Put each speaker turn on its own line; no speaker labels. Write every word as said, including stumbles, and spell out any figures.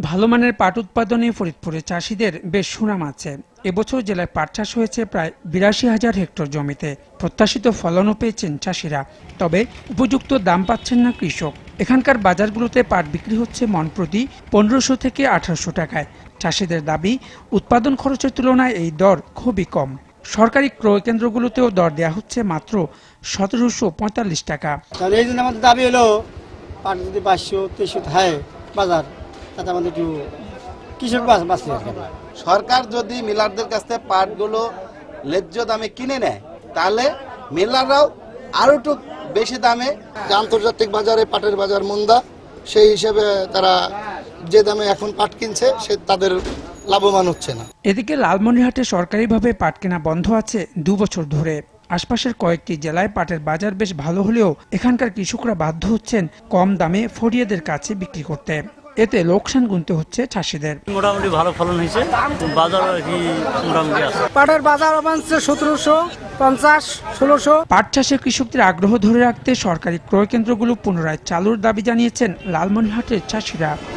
ভালো মানের পাট উৎপাদনে ফরিদপুরে চাষিদের বেশ সুনাম আছে। এবছর জেলায় পাট চাষ হয়েছে প্রায় বিরাশি হাজার হেক্টর জমিতে। প্রত্যাশিত ফলনও পেয়েছেন চাষিরা, তবে উপযুক্ত দাম পাচ্ছেন না কৃষক। এখানকার বাজারগুলোতে পাট বিক্রি হচ্ছে মণ প্রতি পনেরোশো থেকে আঠারোশো টাকায়। চাষিদের দাবি, উৎপাদন খরচের তুলনায় এই দর খুবই কম। সরকারি ক্রয় কেন্দ্রগুলোতেও দর দেওয়া হচ্ছে মাত্র সতেরোশো পঁয়তাল্লিশ টাকা।
এই জন্য আমাদের দাবি হলো পাট যদি পাঁচশো তেইশশো থাকে বাজার, তাতে আমাদের একটু কৃষক বাঁচতে।
সরকার যদি মিলারদের কাছ থেকে পাটগুলো ন্যায্য দামে কিনে নেয়, তাহলে মিলাররাও আরো একটু বেশি দামে।
আন্তর্জাতিক বাজারে পাটের বাজার মন্দা, সেই হিসেবে তারা যে দামে এখন পাট কিনছে সে তাদের লাভবান হচ্ছে না।
এদিকে লালমনিরহাটে সরকারিভাবে পাট কেনা বন্ধ আছে দু বছর ধরে। আশপাশের কয়েকটি জেলায় পাটের বাজার বেশ ভালো হলেও এখানকার কৃষকরা বাধ্য হচ্ছেন কম দামে ফরিয়াদের কাছে বিক্রি করতে। এতে লোকসান গুনতে হচ্ছে চাষিদের।
মোটামুটি ভালো ফলন হয়েছে, বাজার কি মোটামুটি আছে।
পাটের বাজার অবাঞ্চে সতেরোশো পঞ্চাশ ষোলোশো।
পাট চাষে কৃষকদের আগ্রহ ধরে রাখতে সরকারি ক্রয় কেন্দ্রগুলো পুনরায় চালুর দাবি জানিয়েছেন লালমনিরহাটের চাষিরা।